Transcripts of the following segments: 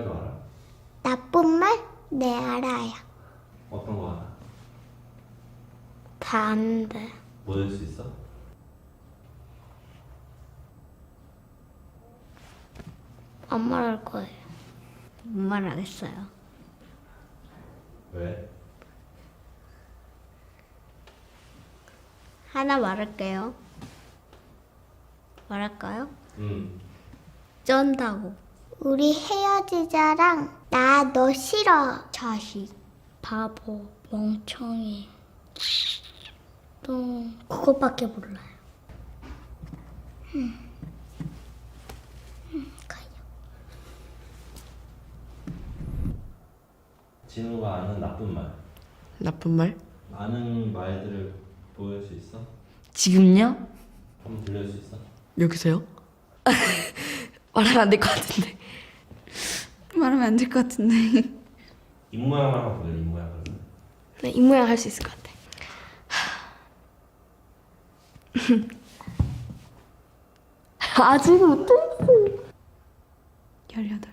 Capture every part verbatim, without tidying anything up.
말도 알아? 나쁜 말? 네, 알아요. 어떤 거 알아? 반대. 뭐 될 수 있어? 안 말할 거예요. 못 말하겠어요. 왜? 하나 말할게요. 말할까요? 응. 쩐다고. 우리 헤어지자랑 나 너 싫어. 자식, 바보, 멍청이. 또 그것밖에 몰라요. 음. 음, 가요. 진우가 아는 나쁜 말. 나쁜 말? 아는 말들을 보여줄 수 있어? 지금요? 한번 들려줄 수 있어? 여기서요? 말하면 안 될 것 같은데. 말하면 안 될 것 같은데. 입 모양만 한번 보여. 입 모양을. 네, 이 모양 할 수 있을 것 같아. 아직 못했어. 열여덟.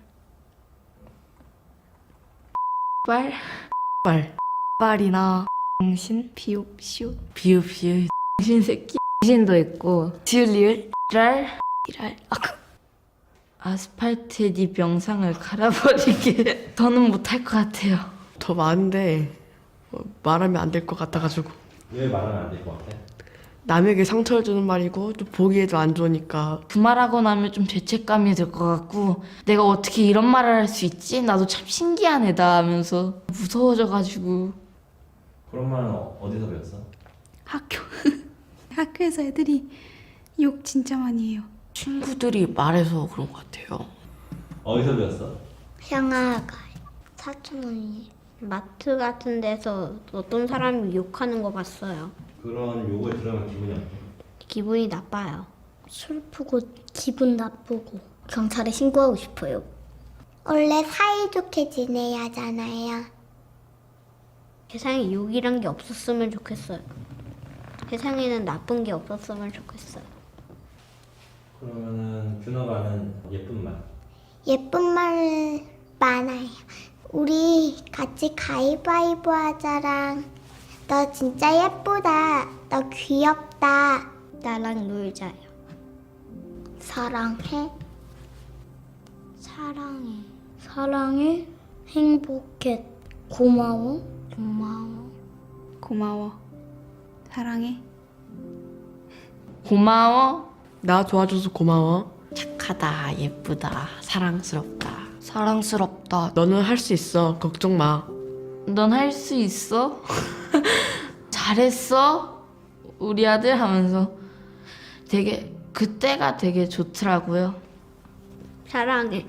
말, 말. 말이나 당신, 비읍, 시옷, 비읍, 비읍, 당신 새끼, 당신도 있고, 지을, 리을, 랄, 이랄, 아, 그- 아스팔트에 네 명상을 갈아버리게 저는 못할 것 같아요. 더 많은데 어, 말하면 안 될 것 같아가지고. 왜 말하면 안 될 것 같아? 남에게 상처를 주는 말이고 또 보기에도 안 좋으니까. 그 말하고 나면 좀 죄책감이 들 것 같고 내가 어떻게 이런 말을 할 수 있지? 나도 참 신기한 애다 하면서 무서워져가지고. 그런 말은 어- 어디서 배웠어? 학교. 학교에서 애들이 욕 진짜 많이 해요. 친구들이 말해서 그런 것 같아요. 어디서 배웠어? 형아가 사촌 언니 마트 같은 데서 어떤 사람이 욕하는 거 봤어요. 그런 욕을 들으면 기분이 어때? 기분이 나빠요. 슬프고 기분 나쁘고 경찰에 신고하고 싶어요. 원래 사이좋게 지내야 하잖아요. 세상에 욕이란 게 없었으면 좋겠어요. 세상에는 나쁜 게 없었으면 좋겠어요. 그러면은 준호가 아는 예쁜 말. 예쁜 말 많아요. 우리 같이 가위바위보 하자랑 너 진짜 예쁘다. 너 귀엽다. 나랑 놀자요. 사랑해. 사랑해. 사랑해. 행복해. 고마워. 고마워. 고마워. 사랑해. 고마워, 나 도와줘서 고마워. 착하다, 예쁘다, 사랑스럽다, 사랑스럽다. 너는 할 수 있어. 걱정 마. 넌 할 수 있어? 잘했어? 우리 아들 하면서 되게 그때가 되게 좋더라고요. 사랑해.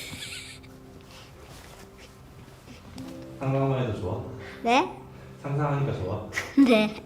상상만 해도 좋아? 네? 상상하니까 좋아? 네.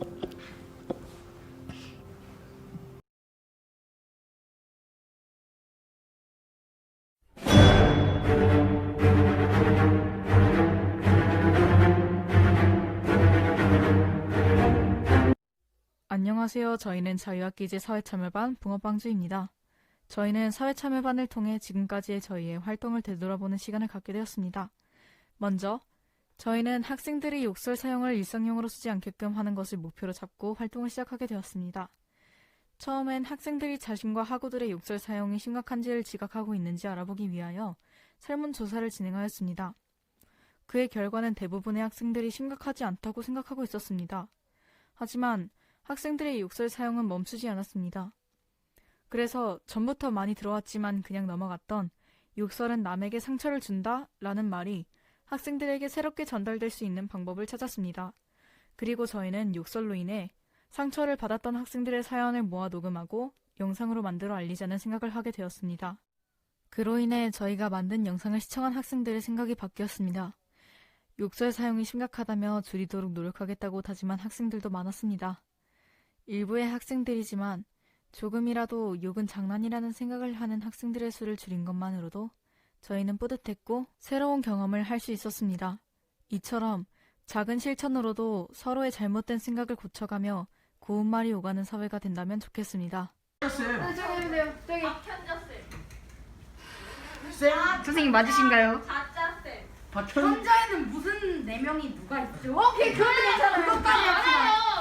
안녕하세요. 저희는 자유학기제 사회참여반 붕어빵주입니다. 저희는 사회참여반을 통해 지금까지의 저희의 활동을 되돌아보는 시간을 갖게 되었습니다. 먼저 저희는 학생들이 욕설 사용을 일상용어로 쓰지 않게끔 하는 것을 목표로 잡고 활동을 시작하게 되었습니다. 처음엔 학생들이 자신과 학우들의 욕설 사용이 심각한지를 지각하고 있는지 알아보기 위하여 설문조사를 진행하였습니다. 그의 결과는 대부분의 학생들이 심각하지 않다고 생각하고 있었습니다. 하지만 학생들의 욕설 사용은 멈추지 않았습니다. 그래서 전부터 많이 들어왔지만 그냥 넘어갔던 욕설은 남에게 상처를 준다 라는 말이 학생들에게 새롭게 전달될 수 있는 방법을 찾았습니다. 그리고 저희는 욕설로 인해 상처를 받았던 학생들의 사연을 모아 녹음하고 영상으로 만들어 알리자는 생각을 하게 되었습니다. 그로 인해 저희가 만든 영상을 시청한 학생들의 생각이 바뀌었습니다. 욕설 사용이 심각하다며 줄이도록 노력하겠다고 다짐한 학생들도 많았습니다. 일부의 학생들이지만 조금이라도 욕은 장난이라는 생각을 하는 학생들의 수를 줄인 것만으로도 저희는 뿌듯했고 새로운 경험을 할 수 있었습니다. 이처럼 작은 실천으로도 서로의 잘못된 생각을 고쳐가며 고운 말이 오가는 사회가 된다면 좋겠습니다. 저기 보세요. 저기. 쌤 선생님 맞으신가요? 현자에는 무슨 네 명이 누가 있죠? 오케이 그것도 괜찮아요. 그것까지 합시다.